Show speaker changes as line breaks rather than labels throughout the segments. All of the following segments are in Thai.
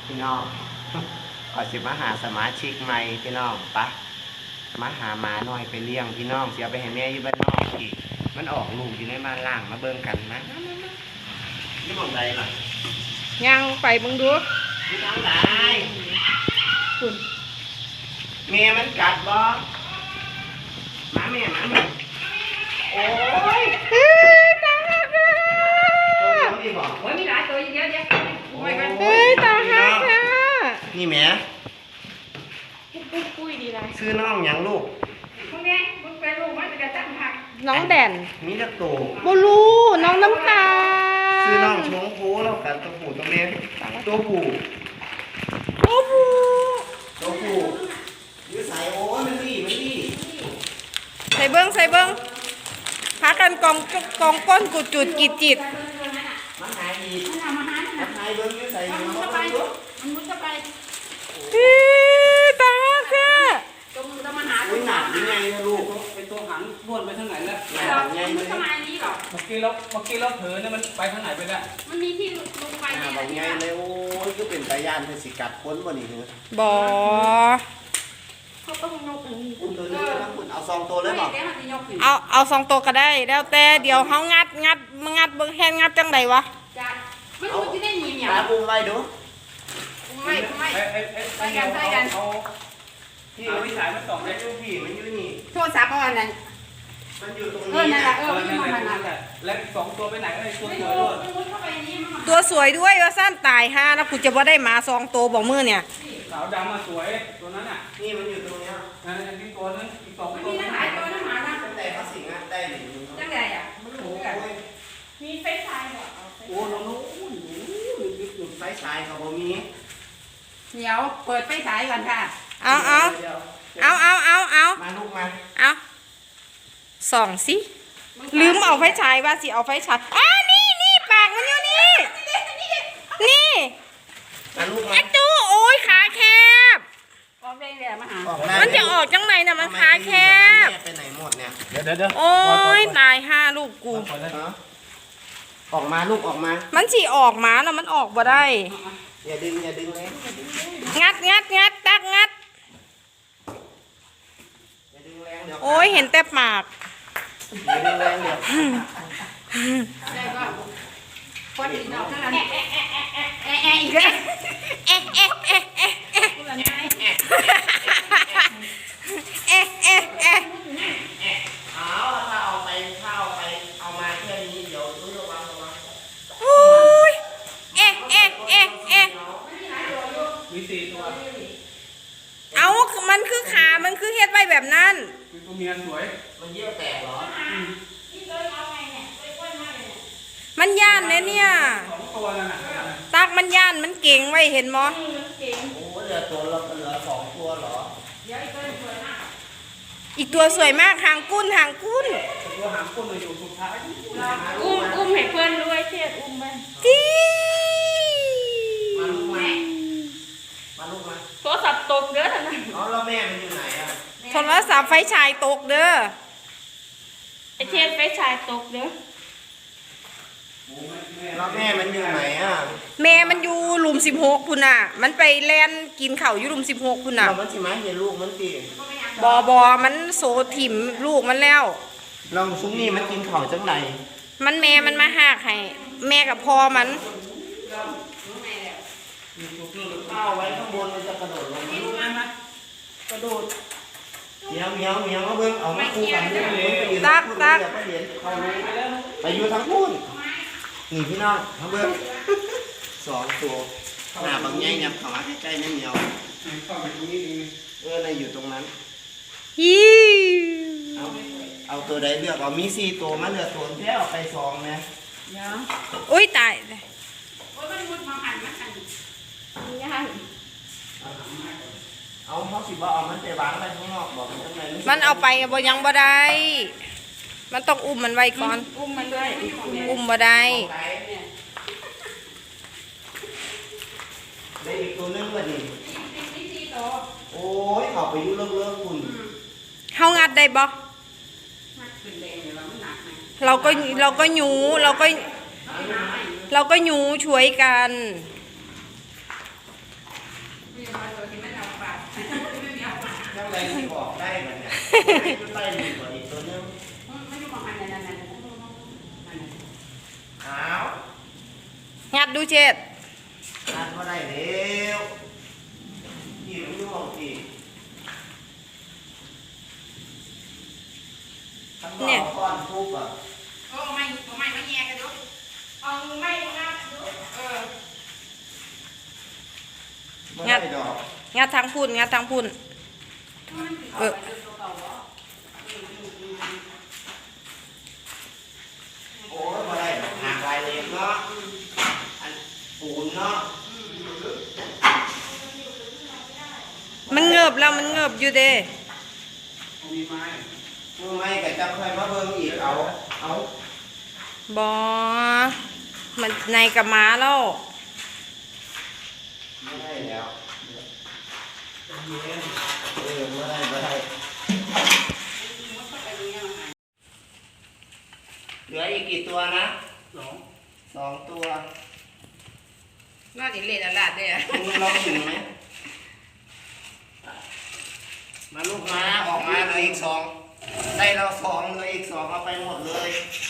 พี่น้องขอสิมาหาสมาชิกใหม่พี่น้องปะมาหาหมาหน่อยไปเลี้ยงพี่น้องเสียไปให้แม่อยู่บ้านนอกอีกมันออกลูกอยู่ในบ้านล่างมาเบิ่งกันนะนี่มองใดล่ะ
ยังไปมึงดู
ที่ทางไหนคุณแม่มันกัดบ่หมาแม่โอ้ย
ตาหักอ่ะ
ตัวเดียวดีบ่
โอ้ยมีหลายตัวเยอะแยะ
ตาหักอ่ะ
นี่แม่
ปุ้ยดีไร
ชื่อน้องหยังลูก
มึงเนี่ยมึงเป็นลูกมันจะตั้งหัก
น้องแด่น
มีจักตัว
บลูน้องน้ำตา
ชื่อน้องชงโค้แล้วกันตัวผู้ตัวแม่ตัวผู้ยืดสายโอ้ยมันดี
ใส่เบิ้งพากันกองก้นกุดจุดกีดจิต
มันหายดีมันหายเบิ้งยืดสายมันมุด
เข้าไป
ตาหักอ่ะ
ตรงมันหา
อุ้ยหนักยังไงลูก
ไปตัวหางบ้วนไปทางไหนแล้ว
หนักยังไง
มันทำไมนี้หรอ
เมื่อกี้เราเผลอเนี่ยมันไปทางไหนไปแล้ว
มันมีที่ลงไป
หนักยังไงเลยโอ้ยก็เป็นตายานเป็นสิกัดพ้นวันนี้เหรอ
บ่
เขาต้องยกอย่างนี้
คุณตัวนี้ต้องคุณเอา2ตัวเลยบอก
เอา2ตัวก็ได้แล้วแต่เดี๋ยวเขางัดเบิ้งแฮนงัดจังไดวะ
จ้ะไม่รู้ที่ได้ยินเนี่ย
ตาบุ้มไว้ดู
ไม่
ไปกัน
พี่วิสัยมันส่องได้ลูกพี่มันอยู่นี่
โทรศัพท์เอาอันนั้น
มันอยู่ตรงนี้
นั่นแหละ
นั่นแหละแล้ว2ตัวไปไหนไอ้ตัวสวยด้วย
ตัวสวยด้วยว่าสั้นตาย5นะกูจะว่าได้หมา2ตัวบอกมือเนี่ย
สาวดำมาสวยตัวนั้นอ่ะ
นี่มันอยู่ตรงนี้
อันนี้ตัวนึงอีก2ตัว
มีหลายตัวนะหมานะ
ตั้งแต่เขาสิงอ่ะได้หนึ่ง
ตั้งแต่อ่ะมันรู้กันมีเฟซไทม์เหรอ
โอ้น้องจุดไฟฉายเขาบ่มี
เดี๋ยวเปิดไฟฉายก่อนค่ะ
เอามา
ลูกมา
ส่องสิลืมเอาไฟฉายว่าสิเอาไฟฉายนี่ปากมันอยู่นี่
มาลูกมา
ไอ้ตู้โอ้ยขาแคบมันจะออกจังไหนน่ะมันขาแคบ
ไปไหนหมดเนี่ย
เดี๋ยว
โอ้ยตาย5ลูกกู
ออกมาลูกออกมา
มันสิออกมาแล้วมันออกบ่ได้
อย่าดึงเลย
งัดตักงัดโอ้ยเห็นแต่ปาก
อย่าดึงแรงเดี๋ยว
ได้ก็พอดีเนาะอีกแล้ว
เอามาแค่นี้เดี๋ยวระวัง
โอ้ย
มี4ตัว
เอามันคือขามันคือเฮ็ดไว้แบบนั้น
ตัวเมียสวย
มันเยี่ยวแตกเหรอ
มันย่านเนี่ย
2ตัวนั่นน่ะ
ตักมันย่านมันเก่งไว้เห็นมั้ย
โอ้เหลือ2ตัวเหรอ
อีกตัวสวยมากหางกุ้น
ตัวหางก้นมาอยู่สุดท้าย
อุ้มให้เพื่อนด้วยเทียดอุ้มไป
จี
มาลูกมา
โทรศัพท์ตกเด้อท่านนั้น
แล้วแม่มันอยู่ไหนอ่ะ
โทรศัพท์ไฟฉายตกเด้อ
ไอเทียดไฟฉายตกเด้อ
แล้วแม่มันอยู่ไหนอ่ะ
แม่มันอยู่หลุม16พุ่นน่ะมันไปแล่นกินข้าวอยู่หลุม16พุ่นน่ะ
มันสิมาเห็นลูกมันสิ
บมันโซถิ่มลูกมันแล้ว
ลองซุ้มนี่มันกินข้าวจังไหน
มันแม่มันมาหากให้แม่กับพ่อมัน
ข้าวไว้ข้างบนมันจะกระโดดลงกระโดดเมียวมาเบิ่งเอามาคู่กัน
ตัก
ไปอยู่ทั้งพุ่นนี่พี่น้องมาเบิ่ง2ตัวหน้าบางใหญ่ยับเข้ามาใกล้ๆนั่นเหนียวในอยู่ตรงนั้นเอาตัวใดเลือกเอามี4ตัวมาเหลือตัวแค่เอาไป2นะ
อุ้ยตาย
เลยโอ้ยมันมุดมาหันยาก
เอาเขาสิบ่เอามันไปวางไปข้างนอกบอกจังได๋
มันเอาไปบ่ยังบ่ได้มันต้องอุ้มมันไว้ก่อน
อุ้มมันด้วย
อุ้มบ่ได้
อีกตัวนึงว่าดิโอ้ยเขาไปอยู่เลิกคุณ
เฮางัดได้บ่เราก็หยูเราก็หยูช่วยกัน
ใจที่ออกได้มันเนี่ยขึ้นไปดีกว่าอีกตัวนึง
ไม่อยู่ประมาณนั้น
อ้าว
งัดดูเช็ด
ทานก็ได้เร็วหิวอยู่ของพี่ทั้งหมดก้อนทุบอ่ะ
เอาไม่มาแย่กันดูเอาไม่งัดดู
ไม่ได้ดอก
งัดทางพุ่นงัดทางพุ่นเออ
โอ้ยไม่ได้ดอกหางลายเล็กเนาะอันปูนเนาะ
มันเงือบแล้วมันเงือบอยู่เด้
มีไม้
มือไม่ก็จะค่อยมาเบิ่งอีกเอา
บอมันในกับม้าแล้ว
ไม่ได้แล้วไม่ได้เหลืออีกกี่ตัวนะ 2 ตัว
น่าจะเละลาดได้อะ
มึงลองถึงไหมมาลูกม้าออกมาเหลืออีก 2ได้เรา2เหลืออีก 2เอาไปหมดเลย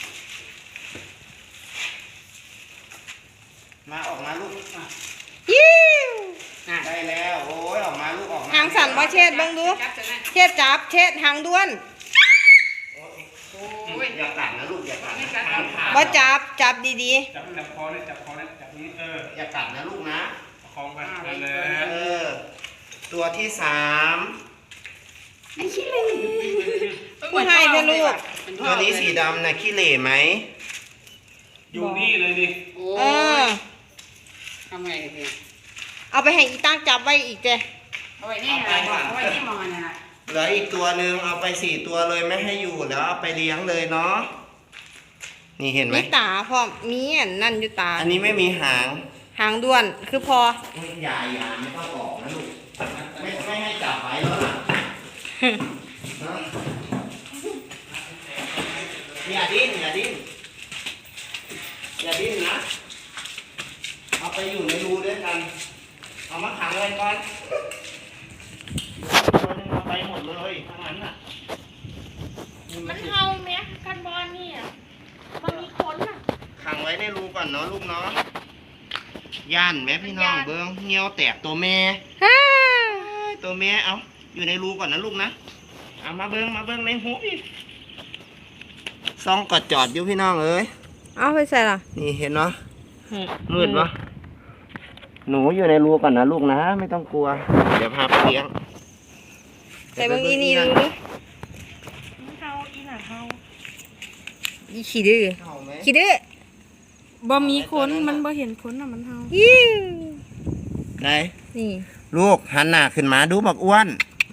มาออกมาลูก
ยิ้ว
ได้แล้วโอ้ยออกมาลูกออกมา
หางสั่นบ่เช็ดเบิ่งดู เช็ดจับเช็ดหางด้วน
อย่ากัดนะลูกอย่ากัดนะ
บ่จับจับดี
จับคอเนี่ยจับนี้
อย่ากัดนะลูกนะ
ประคองไปนั่นแหละ
ตัวที่ 3
ๆผู้ให้เด้อลูก
ตัวนี้สีดำนะขี้เหร่ไหม
อยู่นี่เลยดิ
เออ
ทำไงเนี่ย
เอาไปให้อีตั้งจับไว้อีกเด้
เอาไว้นี่นะเอาไว้นี่มองนั่นน่ะ
เหลืออีกตัวหนึ่งเอาไป4 ตัวเลยไม่ให้อยู่แล้วเอาไปเลี้ยงเลยเนาะนี่เห็นไหม
มีตาพร้อมมีอันนั่นอยู่ตา
อันนี้ไม่มีหาง
หางด้วนคือพอ
อย่าไม่ต้องออกนะลูกไม่ให้จับไว้แล้วล่ะเนาะอย่าดิ้นนะเอาไปอยู่ในรูด้วยกันเอามาขังไว้ก่อนตัวนึงเอาไปหมดเลยทั้งนั้นน่ะ
มันเฮาไหมกันบอลนี่อ่ะมันมีคนอ่ะ
ขังไว้ในรูก่อนเนาะลูกเนาะย่านแม่พี่น้องเบิ้งเงี้ยวแตกตัวแม่ตัวแม่เอาอยู่ในรูก่อนนะลูกนะเอามาเบิ้งในหูอีกซ่องกอดจอดอยู่พี่น้องเอ้ย
เอาไปใส่ล่ะ
นี่เห็นเนาะมืดปะหนูอยู่ในรูก่อนนะลูกนะไม่ต้องกลัวเดี๋ยวพาไปเลี้ยง
ใส่เบิ่งอีนี่ดูดิ
มันเฮาอีน่ะเฮา
อีขี้ดื้อ
เข้าไหม
ขี้ดื้อ
บ่มีคนมันบ่เห็นคนอ่ะมันเฮา
ยิ้ว
ไหน
นี่
ลูกหันหน้าขึ้นมาดูบักอ้วน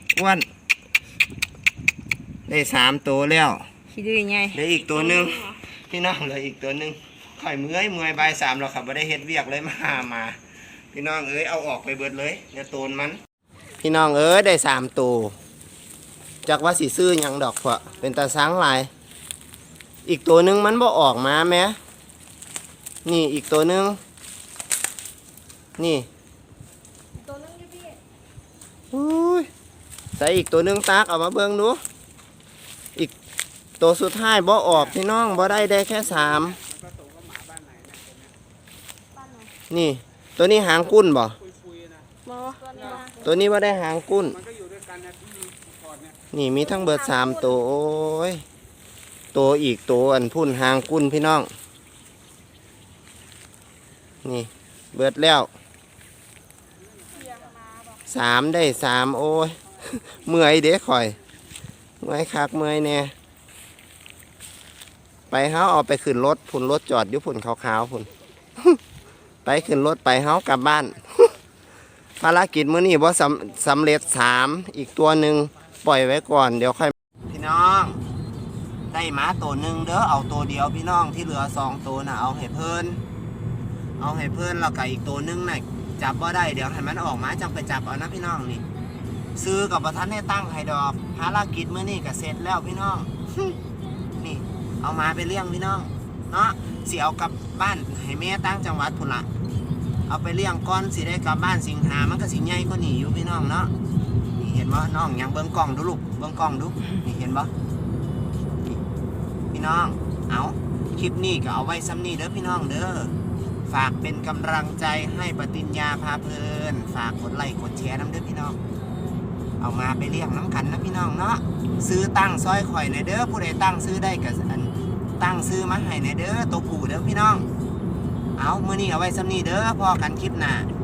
ได้3 ตัวแล้ว
ขี้ดื้อไง
เหลืออีกตัวหนึ่งพี่น้องเหลืออีกตัวหนึ่งข่อยเมื่อยบ่าย 3เราขับไม่ได้เฮ็ดเวียกเลยมาพี่น้องเอ้ยเอาออกไปเบิดเลยเดี๋ยวโตนมัน พี่น้องเอ้ยได้3 ตัวจากว่าสิซื้อหยังดอกเพาะเป็นตาสังหลายอีกตัวหนึ่งมันบ่ออกมาแม้นี่อีกตัวหนึ่งนี่ตัวนึงอยู่พี่อุ้ยใส่อีกตัวหนึ่งตากเอามาเบิ่งดูอีกตัวสุดท้ายบ่ออกพี่น้องบ่ได้แค่3นี่ตัวนี้หางกุ้นบ่
บ่
ตัวนี้บ่ได้หางกุ้น
มันก็อยู่ด้วยกันนะที่ก่อนเนี่ย
นี่มีทั้งเบิด3 ตัวโอ้ยตัวอีกตัวอันพุ่นหางกุ้นพี่น้องนี่เบิดแล้ว3ได้3โอ้ย เมื่อยเด้ข่อยเมื่อยคักเมื่อยแน่ไปเฮาเอาไปขึ้นรถพุ่นรถจอดอยู่พุ่นขาวๆพุ่น ไปขึ้นรถไปเฮากลับบ้าน ภารกิจมื้อนี้บ่สำเร็จ3อีกตัวหนึ่งปล่อยไว้ก่อนเดี๋ยวค่อยพี่น้องได้หมาตัวหนึ่งเด้อเอาตัวเดียวพี่น้องที่เหลือ2 ตัวน่ะเอาให้เพิ่นแล้วก็อีกตัวหนึงน่ะจับบ่ได้เดี๋ยวให้มันออกมาจังไปจับเอานะพี่น้องนี่ซื้อกับประธานให้ตั้งให้ดอกภารกิจมื้อนี้ก็เสร็จแล้วพี่น้อง นี่เอามาไปเลี้ยงพี่น้องเนาะสิเอากลับบ้านให้แม่ตั้งจังหวัดพุ่นละเอาไปเลี้ยงก่อนสิได้กลับบ้านสิงหามันก็สิใหญ่กว่านี้อยู่พี่น้องเนาะนี่เห็นบ่น้องยังเบิ่งกล้องดูลูกเบิ่งกล้องดูนี่เห็นบ่นี่พี่น้องเอาคลิปนี้ก็เอาไว้ซ้ำนี้เด้อพี่น้องเด้อฝากเป็นกำลังใจให้ปฏิญญาพาเพลินฝากกดไลค์กดแชร์น้ำเด้อพี่น้องเอามาไปเลี้ยงน้ำกันนะพี่น้องเนาะซื้อตั้งซอยข่อยในเด้อผู้ใดตั้งซื้อได้ก็ตั้งซื้อมาให้ในเด้อตัวผู้เด้อพี่น้องเอามื้อนี้เอาไว้ซ้ำนี้เด้อพอกันคลิปหน้า